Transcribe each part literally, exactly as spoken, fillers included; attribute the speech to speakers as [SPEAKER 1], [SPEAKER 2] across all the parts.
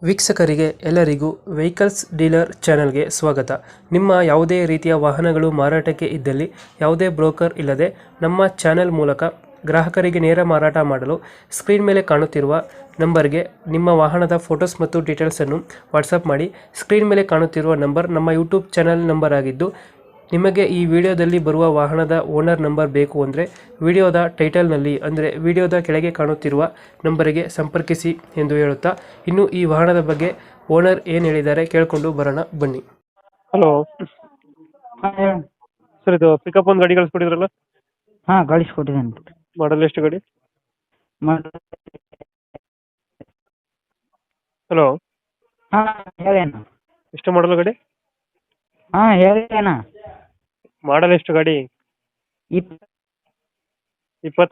[SPEAKER 1] ವೀಕ್ಷಕರಿಗೆ ಎಲ್ಲರಿಗೂ vehicles dealer ಚಾನೆಲ್ಗೆ ಸ್ವಾಗತ. ನಿಮ್ಮ ಯಾವುದೇ ರೀತಿಯ ವಾಹನಗಳು ಮಾರಾಟಕ್ಕೆ ಇದ್ದಲ್ಲಿ ಯಾವುದೇ ಬ್ರೋಕರ್ ಇಲ್ಲದೆ ನಮ್ಮ ಚಾನೆಲ್ ಮೂಲಕ ಗ್ರಾಹಕರಿಗೆ ನೇರ ಮಾರಾಟ ಮಾಡಲು ಸ್ಕ್ರೀನ್ ಮೇಲೆ ಕಾಣುತ್ತಿರುವ ನಂಬರ್ಗೆ ನಿಮ್ಮ ವಾಹನದ ಫೋಟೋಸ್ ಮತ್ತು ಡೀಟೇಲ್ಸನ್ನು ವಾಟ್ಸಪ್ ಮಾಡಿ. ಸ್ಕ್ರೀನ್ ಮೇಲೆ ಕಾಣುತ್ತಿರುವ ನಂಬರ್ ನಮ್ಮ ಯೂಟ್ಯೂಬ್ ಚಾನೆಲ್ ನಂಬರ್ ಆಗಿದ್ದು, ನಿಮಗೆ ಈ ವಿಡಿಯೋದಲ್ಲಿ ಬರುವ ವಾಹನದ ಓನರ್ ನಂಬರ್ ಬೇಕು ಅಂದರೆ ವಿಡಿಯೋದ ಟೈಟಲ್ನಲ್ಲಿ ಅಂದರೆ ವಿಡಿಯೋದ ಕೆಳಗೆ ಕಾಣುತ್ತಿರುವ ನಂಬರಿಗೆ ಸಂಪರ್ಕಿಸಿ ಎಂದು ಹೇಳುತ್ತಾ, ಇನ್ನು ಈ ವಾಹನದ ಬಗ್ಗೆ ಓನರ್ ಏನು ಹೇಳಿದ್ದಾರೆ ಕೇಳಿಕೊಂಡು ಬರೋಣ ಬನ್ನಿ. ಹಲೋ
[SPEAKER 2] ಹಾಂ ಹೇಳಿ.
[SPEAKER 1] ಸರ್, ಇದು ಪಿಕಪ್ ಒಂದು ಗಾಡಿ ಕಳಿಸ್ಕೊಟ್ಟಿದ್ರಲ್ಲ,
[SPEAKER 2] ಹಾಂ ಕಳಿಸ್ಕೊಟ್ಟಿದ್ದೇನೆ.
[SPEAKER 1] ಮಾಡಲ್ ಎಷ್ಟು ಗಾಡಿ?
[SPEAKER 2] ಮಾಡಿ
[SPEAKER 1] ಹಲೋ,
[SPEAKER 2] ಹಾಂ ಹೇಳಿ ಅಣ್ಣ.
[SPEAKER 1] ಎಷ್ಟು ಮಾಡಲ್ ಗಾಡಿ?
[SPEAKER 2] ಹಾಂ ಹೇಳಿ ಅಣ್ಣ.
[SPEAKER 1] ಮಾಡಲ್ ಎಷ್ಟು ಗಾಡಿ?
[SPEAKER 2] ಇಪ್
[SPEAKER 1] ಇಪ್ಪತ್ತ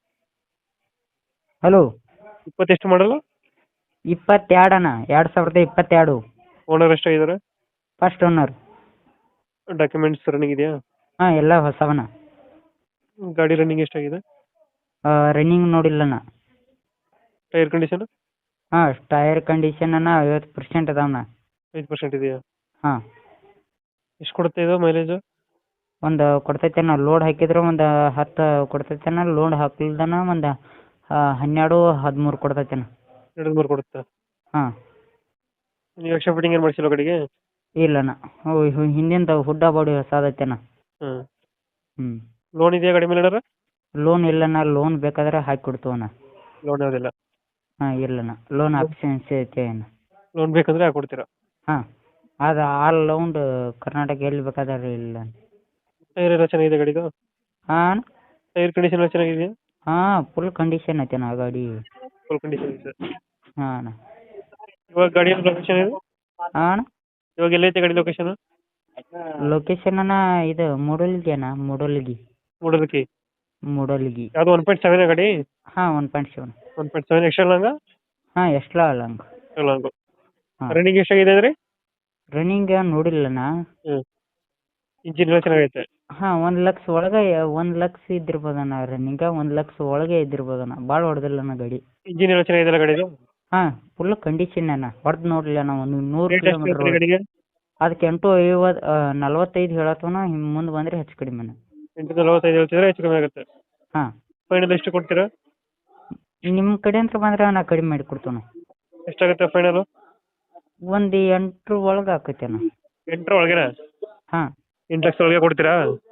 [SPEAKER 2] ಹಲೋ
[SPEAKER 1] ಇಪ್ಪತ್ತೆಷ್ಟು ಮಾಡಲು?
[SPEAKER 2] ಇಪ್ಪತ್ತೆರಡು ಅಣ್ಣ, ಎರಡು ಸಾವಿರದ ಇಪ್ಪತ್ತೆರಡು.
[SPEAKER 1] ಓನರ್ ಎಷ್ಟಾಗಿದ್ದಾರೆ?
[SPEAKER 2] First owner.
[SPEAKER 1] ಡಾಕ್ಯುಮೆಂಟ್ಸ್ ರನ್ನಿಂಗ್ ಇದೆಯಾ?
[SPEAKER 2] ಹಾಂ ಎಲ್ಲ ಹೊಸವಣ್ಣ.
[SPEAKER 1] ಗಾಡಿ ರನ್ನಿಂಗ್ ಎಷ್ಟಾಗಿದೆ?
[SPEAKER 2] ರನ್ನಿಂಗ್ ನೋಡಿಲ್ಲಣ್ಣ.
[SPEAKER 1] Tyre condition?
[SPEAKER 2] ಹಾಂ ಟೈರ್ ಕಂಡೀಷನ್ ಅಣ್ಣ ಐವತ್ತು ಪರ್ಸೆಂಟ್ ಅದಾವಣ್ಣ.
[SPEAKER 1] ಐದು ಪರ್ಸೆಂಟ್ ಇದೆಯಾ?
[SPEAKER 2] ಹಾಂ
[SPEAKER 1] ಎಷ್ಟು ಕೊಡುತ್ತೆ ಇದು ಮೈಲೇಜ್?
[SPEAKER 2] ಒಂದು ಕೊಡ್ತೈತೆ ಅಣ್ಣ. ಲೋಡ್ ಹಾಕಿದ್ರೆ ಒಂದು ಹತ್ತು ಕೊಡ್ತೈತೆ ಅಣ್ಣ. ಲೋಡ್ ಹಾಕ್ಲಿಲ್ದನ ಒಂದು ಹನ್ನೆರಡು ಹದಿಮೂರು ಕೊಡ್ತೈತೆ ಅಣ್ಣ.
[SPEAKER 1] ಎರಡು ಮೂರು ಕೊಡುತ್ತಾ?
[SPEAKER 2] ಹಾಂ.
[SPEAKER 1] ನೀವು ಎಕ್ಸ್ಟ್ರಾ ಫಿಟ್ಟಿಂಗ್ ಏನು ಮಾಡಿಸಿಲ್ಲ ಗಾಡಿಗೆ?
[SPEAKER 2] ಇಲ್ಲಣ್ಣ. ಹಿಂದಿಂದ ಹುಡ್ಡ ಬಾಡಿ ಹೊಸದೈತೆ ಅಣ್ಣ.
[SPEAKER 1] ಹಾಂ.
[SPEAKER 2] ಹ್ಞೂ.
[SPEAKER 1] ಲೋನ್ ಇದೆಯಾ ಗಾಡಿ ಮೇಲೆ ಏನಾರ?
[SPEAKER 2] ಲೋನ್ ಇಲ್ಲಣ್ಣ. ಲೋನ್ ಬೇಕಾದ್ರೆ ಹಾಕಿ ಕೊಡ್ತೀವಣ್ಣ.
[SPEAKER 1] ಲೋನ್ ಯಾವುದಿಲ್ಲ?
[SPEAKER 2] ಹಾಂ ಇಲ್ಲಣ್ಣ. ಲೋನ್ ಆಪ್ಷನ್ಸ್ ಐತೆ ಅಣ್ಣ.
[SPEAKER 1] ಲೋನ್ ಬೇಕಂದ್ರೆ ಹಾಕೊಡ್ತೀರಾ?
[SPEAKER 2] ಹಾಂ ಅದು ಆಲ್ ರೌಂಡ್ ಕರ್ನಾಟಕ ಎಲ್ಲಿ ಬೇಕಾದ್ರೆ ಇಲ್ಲ.
[SPEAKER 1] ಟೈರ್ ಎಲ್ಲ ಚೆನ್ನಾಗಿದೆ ಗಾಡಿದು?
[SPEAKER 2] ಹಾಂ
[SPEAKER 1] ಟೈರ್ ಕಂಡೀಷನ್ ಎಲ್ಲ ಚೆನ್ನಾಗಿದೆಯಾ?
[SPEAKER 2] ಹಾಂ ಫುಲ್ ಕಂಡೀಷನ್ ಐತೆ ಅಣ್ಣ ಗಾಡಿ.
[SPEAKER 1] ಫುಲ್ ಕಂಡೀಷನ್ ಇದೆ.
[SPEAKER 2] ಹಾಂ ಅಣ್ಣ.
[SPEAKER 1] ಇವಾಗ ಗಾಡಿ ಲೊಕೇಶನ್ ಇದೆ?
[SPEAKER 2] ಹಾಂ ಅಣ್ಣ.
[SPEAKER 1] ಇವಾಗ ಎಲ್ಲೈತೆ ಗಾಡಿ ಲೊಕೇಶನ್?
[SPEAKER 2] ಲೊಕೇಶನ್ ಅಣ್ಣ ಇದು ಮೂಡಲ್ಗಿ ಅಣ್ಣ. ಮೂಡಲ್ಗಿ
[SPEAKER 1] ಮೂಡಲ್ಗಿ.
[SPEAKER 2] ಮೂಡಲ್ಗಿ.
[SPEAKER 1] ಯಾವುದು ಒನ್ ಪಾಯಿಂಟ್ ಸೆವೆನ್ ಗಾಡಿ?
[SPEAKER 2] ಹಾಂ one point seven.
[SPEAKER 1] One point seven extra ಲಾಂಗ?
[SPEAKER 2] ಹಾಂ ಎಷ್ಟ್ಲ ಲಾಂಗ್.
[SPEAKER 1] ಲಾಂಗು.
[SPEAKER 2] ಹಾಂ.
[SPEAKER 1] ರನ್ನಿಂಗ್ ಎಷ್ಟಾಗಿದೆ ಅಂದ್ರೆ?
[SPEAKER 2] ರನ್ನಿಂಗ್ ನೋಡಿಲ್ಲಣ್ಣ.
[SPEAKER 1] ಹ್ಞೂ. ಇಂಜಿನ್ ಎಲ್ಲ ಚೆನ್ನಾಗೈತೆ?
[SPEAKER 2] ಹಾಂ ಒಂದು ಲಕ್ಷ ಒಳಗೆ ಒಂದು ಲಕ್ಷ ಇದ್ದಿರ್ಬೋದಣ್ಣ. ರನ್ನಿಂಗ ಒಂದು ಲಕ್ಷ ಒಳಗೆ ಇದ್ದಿರ್ಬೋದಣ್ಣ. ಭಾಳ ಹೊಡೆದಿಲ್ಲಣ್ಣ ಗಾಡಿ.
[SPEAKER 1] ಇಂಜಿನ್ ಎಲ್ಲ ಚೆನ್ನಾಗಿದೆಯಲ್ಲ ಗಾಡಿದು?
[SPEAKER 2] ಹಾಂ ಫುಲ್ ಕಂಡೀಷನ್ ಅಣ್ಣ. ಹೊಡೆದು ನೋಡಲಿಲ್ಲ ಅಣ್ಣ. ಒಂದು ನೂರು
[SPEAKER 1] ರೇಟ್ ಎಷ್ಟು ಹೇಳ್ತೀರಿ
[SPEAKER 2] ಕಿಲೋಮೀಟ್ರ್
[SPEAKER 1] ಗಾಡಿಗೆ?
[SPEAKER 2] ಅದಕ್ಕೆ ಎಂಟು ಐವತ್ತು ನಲ್ವತ್ತೈದು ಹೇಳತ್ತವನ. ಹಿಂಗೆ ಮುಂದೆ ಬಂದರೆ ಹೆಚ್ಚು ಕಡಿಮೆ ಅಣ್ಣ.
[SPEAKER 1] ಎಂಟು ನಲವತ್ತೈದು ಹೇಳ್ತಿದ್ರೆ ಹೆಚ್ಚು ಕಮ್ಮಿ ಆಗುತ್ತೆ.
[SPEAKER 2] ಹಾಂ
[SPEAKER 1] ಫೈನಲ್ ಎಷ್ಟು ಕೊಡ್ತೀರಾ?
[SPEAKER 2] ನಿಮ್ಮ ಕಡೆ ಅಂತ ಬಂದ್ರೆ ನಾ ಕಡಿಮೆ ಮಾಡಿ ಕೊಡ್ತೇನೆ.
[SPEAKER 1] ಎಷ್ಟಾಗುತ್ತೆ ಫೈನಲು?
[SPEAKER 2] ಒಂದು ಎಂಟ್ರ ಒಳಗೆ ಆಕೈತೆ ಅಣ್ಣ.
[SPEAKER 1] ಎಂಟರ ಒಳಗೆನಾ?
[SPEAKER 2] ಹಾಂ
[SPEAKER 1] ಎಂಟು ಲಕ್ಷ ಒಳಗೆ ಕೊಡ್ತೀರಾ?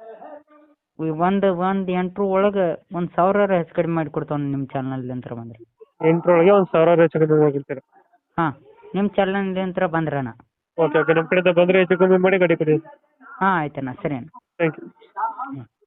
[SPEAKER 2] ಒಂದು ಒಂದು ಎಂಟ್ರ ಒಳಗೆ ಒಂದು ಸಾವಿರ ಹೆಚ್ಚು ಕಡಿಮೆ ಮಾಡಿ ಕೊಡ್ತಾವೆ ನಿಮ್ಮ ಚಾನಲ್ನಿಂದ ಬಂದರೆ.
[SPEAKER 1] ಎಂಟರೊಳಗೆ ಒಂದು ಸಾವಿರ ಹೆಚ್ಚು ಕಮ್ಮಿ ಮಾಡಿರ್ತೀರಾ?
[SPEAKER 2] ಹಾಂ ನಿಮ್ಮ ಚಾನಲ್ನಿಂದ ಬಂದ್ರೆ ಅಣ್ಣ.
[SPEAKER 1] ಓಕೆ ಓಕೆ ನಮ್ಮ ಕಡೆಯಿಂದ ಬಂದರೆ ಹೆಚ್ಚು ಕಮ್ಮಿ ಮಾಡಿ ಗಾಡಿ ಕೊಡಿ.
[SPEAKER 2] ಹಾಂ ಆಯ್ತಣ್ಣ. ಸರಿ ಅಣ್ಣ.
[SPEAKER 1] Thank you.
[SPEAKER 2] ಹ್ಞೂ.